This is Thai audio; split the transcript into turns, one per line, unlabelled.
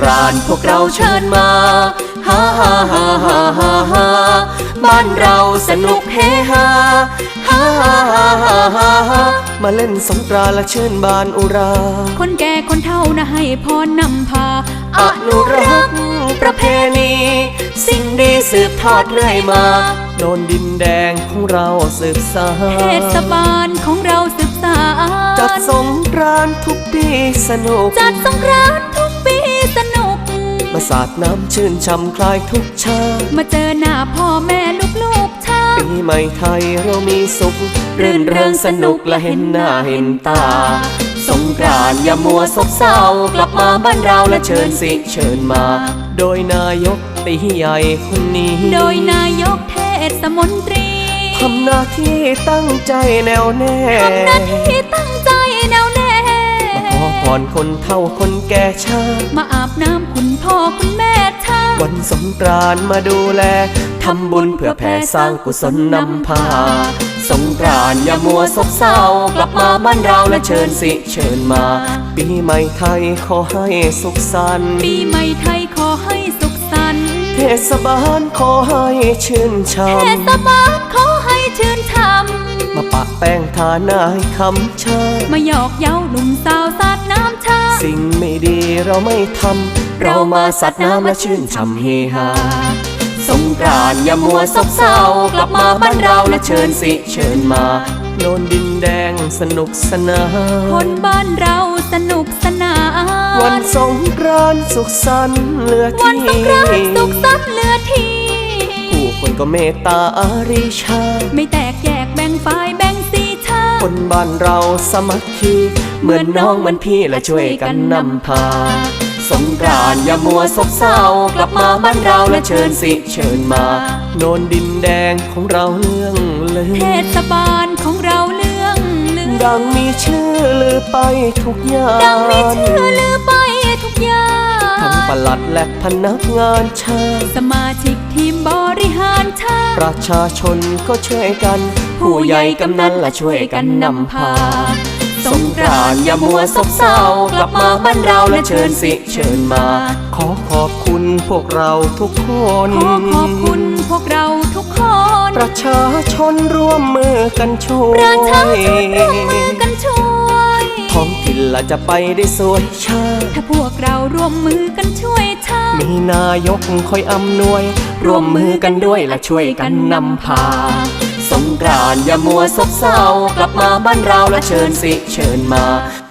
านต์พวกเราเชิญมาฮ่าฮ่าฮ่าฮ่าฮ่าฮ่าบ้านเราสนุกเฮฮาฮ่าฮ่าฮ่าฮ่าฮ่าฮ่ามาเล่นสงกรานต์และชื่นบานอุรา
คนแก่คนเฒ่านะให้พรนำพา
อนุรักษ์ประเพณีสิ่งดีสืบทอดเรื่อยมาโดนดินแดงของเราสืบสาน
เทศบาลของเราสืบสาน
จัดสงกรานต์ทุกปีสนุก
จัดสงกรานต์ทุกปีสนุก
มาสาดน้ำชื่นช่ำคลายทุกชาติ
มาเจอหน้าพ่อแม่ลูกๆชาติ
ปีใหม่ไทยเรามีสุขรื่นเริงสนุกและเห็นหน้าเห็นตาสงกรานต์อย่ามัวซบเศร้ากลับมาบ้านเราและเชิญสิเชิญมาโดยนายกตีใหญ่คนนี้
โดยนายกเทศมนตรี
ทำหน้าที่ตั้งใจแน่วแน่
ทำหน้าที่ตั้งใจแน่วแน่
มาขอพรคนเฒ่าคนแก่ชาติ
มาอาบน้ำคุณพ่อคุณแม่ชาติ
วันสงกรานต์มาดูแลทำบุญเพื่อแผ่สร้างกุศลนำพาสงกรานต์อย่ามัวซบเศร้ากลับมาบ้านเราและเชิญสิเชิญมาปีใหม่ไทยขอให้สุขสันต์
ปีใหม่ไทยขอให้สุขสันต์
เทศบาลขอให้ชื่นช่ำ
เทศบาลขอให้ชื่นช่ำ
มาปะแป้งทาหน้าให้คำชา
มาหยอกเย้าหนุ่มสาวสาดน้ำชา
สิ่งไม่ดีเราไม่ทำเรามาสาดน้ำและชื่นช่ำเฮฮาสงกรานต์อย่ามัวซบเศร้ากลับมาบ้านเราและเชิญสิเชิญมาโนนดินแดงสนุกสนาน
คนบ้านเราสนุกสนาน
วันสงกรานต์สุขสันต์เหลือที่
วันสงกรานต์สุขสันต์เหลือที่
ผู้คนก็เมตตาอารีชา
ไม่แตกแยกแบ่งฝ่ายแบ่งสีชา
คนบ้านเราสามัคคีเหมือนน้องเหมือนพี่และช่วยกันนำพาสงกรานต์อย่ามัวซบเศร้ากลับมาบ้านเราและเชิญสิเชิญมาโนนดินแดงของเราเลื่องลือ
เทศบาลของเราเลื่องลือ
ดังมีชื่อลือไปทุกอย่าง
ดังมีชื่อลือไปทุกอย่าง
ทั้งปลัดและพนักงานชาติ
สมาชิกทีมบริหารชาติ
ประชาชนก็ช่วยกันผู้ใหญ่กำนันและช่วยกันนำพาสงกรานต์อย่ามัวซบเศร้ากลับมาบ้านเราและเชิญสิเชิญมาขอขอบคุณพวกเราทุกคน
ขอขอบคุณพวกเราทุกคน
ประชาชนร่วมมือกันช่วย
ประชาชนร่วมมือกันช่วย
ท้องถิ่นละจะไปได้สวยชาติ
ถ้าพวกเราร่วมมือกันช่วยชาติ
มีนายกคอยอำนวยร่วมมือกันด้วยและช่วยกันนำพาสงกรานต์อย่ามัวซบเศร้ากลับมาบ้านเราและเชิญสิเชิญมา